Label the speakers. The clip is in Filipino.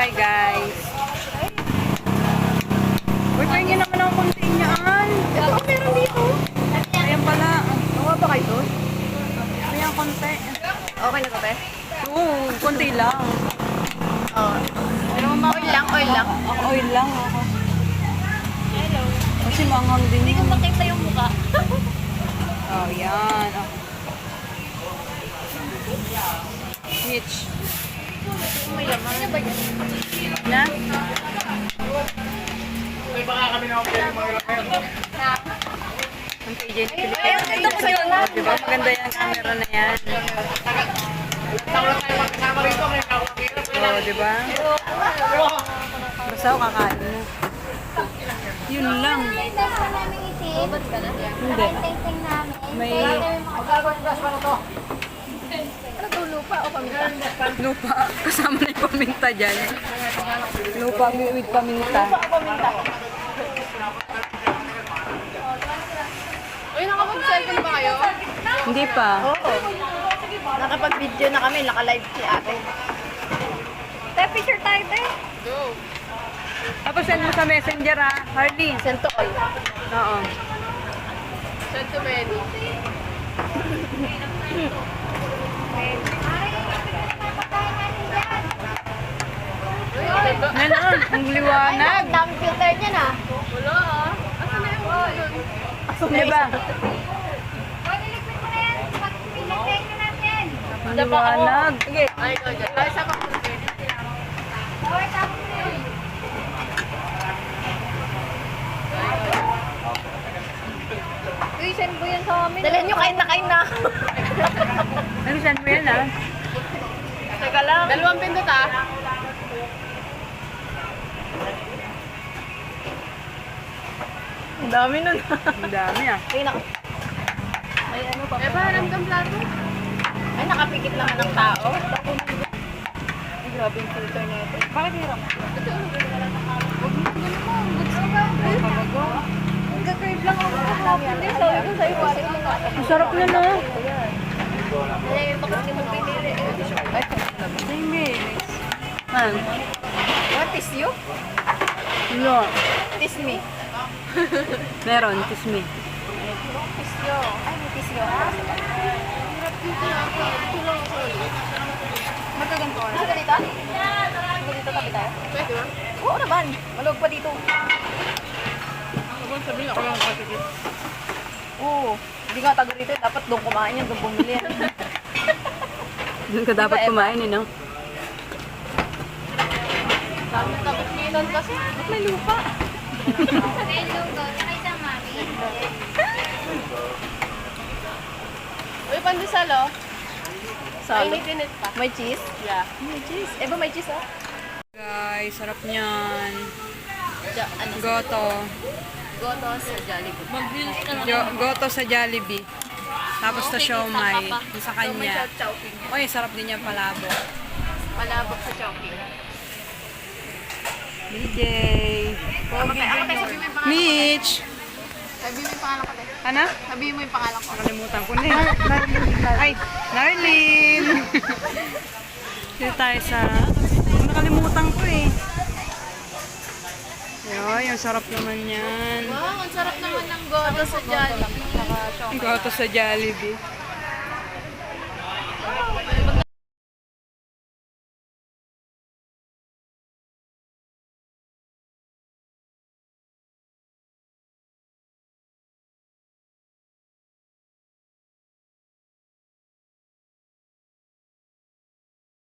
Speaker 1: Wifi, guys. Uy, pahingin naman ako konti niyaan.
Speaker 2: Ito, meron dito.
Speaker 1: Ayan pala.
Speaker 2: Nakuha ba kayo doon?
Speaker 1: Ayan, konti.
Speaker 2: Okay na kape?
Speaker 1: Oo, konti lang.
Speaker 2: Oo. Oil lang, oil lang.
Speaker 1: Ako, oil lang ako. Hello. Kasi manghang din.
Speaker 2: Hindi ko makita yung mukha.
Speaker 1: Oh, yan. Oh. Mitch.
Speaker 2: May laman. Ano ba yun?
Speaker 1: Na?
Speaker 3: May baka kami na
Speaker 1: Ang PJ Philippines.
Speaker 2: Ito ko sa'yo na.
Speaker 1: Diba? Maganda yung camera na yan.
Speaker 3: Tawa tayo magkasama rito. May nakakakirap.
Speaker 1: Oo, diba? Basta ako kakain mo. Yun lang.
Speaker 2: Ba't ka na?
Speaker 1: Hindi. May
Speaker 2: Ano to, lupa o paminta?
Speaker 1: lupa. Kasama na yung paminta dyan. Lupa with paminta.
Speaker 2: Uy, nakapag-cycle ba kayo?
Speaker 1: Hindi pa.
Speaker 2: Oo. Nakapag-video na kami, naka-live si ate. Tayo, picture tayo, tayo. Go.
Speaker 1: Tapos send mo sa messenger ha, Harley.
Speaker 2: Send to all.
Speaker 1: Oo.
Speaker 2: Send to many.
Speaker 1: Ano, ang liwanag.
Speaker 2: Ang dami filter niya na. Wala ah. Asa na yung
Speaker 1: Diba? Ang liwanag.
Speaker 2: Sige. Ay, go dyan. Ay, sa pang Uy, send mo yan sa amin. Dalhin nyo, kain na.
Speaker 1: Ano send mo yan ha?
Speaker 2: Teka lang. Dalawang pindot ah. Ang dami nun.
Speaker 1: Ang dami ah.
Speaker 2: Ay, may ano pa. Eh, ba, ramdam plato? Ay, nakapikit lang ng tao. Ay, grabe yung filter na ito. Bakit hirap? Ito, huwag mo ganun mo. Goods ka ba? Nagka-crave lang ako sa hapon din. Sabi ko sa'yo, pare mo nga.
Speaker 1: Ang sarap na no?
Speaker 2: Ay, bakit hindi mo pinili? Ay,
Speaker 1: Tingis. Man.
Speaker 2: what is you?
Speaker 1: No.
Speaker 2: Tis me.
Speaker 1: Meron, kiss me.
Speaker 2: Tis yo. Ay, may tis yo. Magkaganto ka. Gusto ka dito? Gusto dito tabi tayo? Pwede ba? Oo naman. Malog pa dito.
Speaker 3: Sabihin ako lang kakikit.
Speaker 2: Oo. Hindi nga taga rito. Dapat doon kumain yan. Doon bumili yan.
Speaker 1: Doon ka dapat kumain eh, no?
Speaker 2: Dami taga-kinan kasi. Ba't may lupa? Uy, pandesal oh. Ay, may tinit pa. May cheese? Yeah. May cheese. Eh ba may cheese oh?
Speaker 1: Guys, sarap niyan.
Speaker 2: Ano?
Speaker 1: Goto.
Speaker 2: Goto sa Jollibee. Mag-grills ka na.
Speaker 1: Goto sa Jollibee. Tapos sa siomay. Yung sa kanya.
Speaker 2: Chowking.
Speaker 1: Uy, sarap din yung palabok.
Speaker 2: Palabok sa Chowking.
Speaker 1: DJ.
Speaker 2: Ako tayo sabi mo yung pangalan.
Speaker 1: Mitch.
Speaker 2: Sabi mo yung pangalan ko tayo.
Speaker 1: Ano?
Speaker 2: Sabi mo yung pangalan ko.
Speaker 1: Nakalimutan ko na eh. Ay, Narlene. Dito tayo sa... Nakalimutan ko eh. Ay, ang sarap naman yan.
Speaker 2: Wow, ang sarap naman ng goto sa Jollibee.
Speaker 1: Goto sa Jollibee.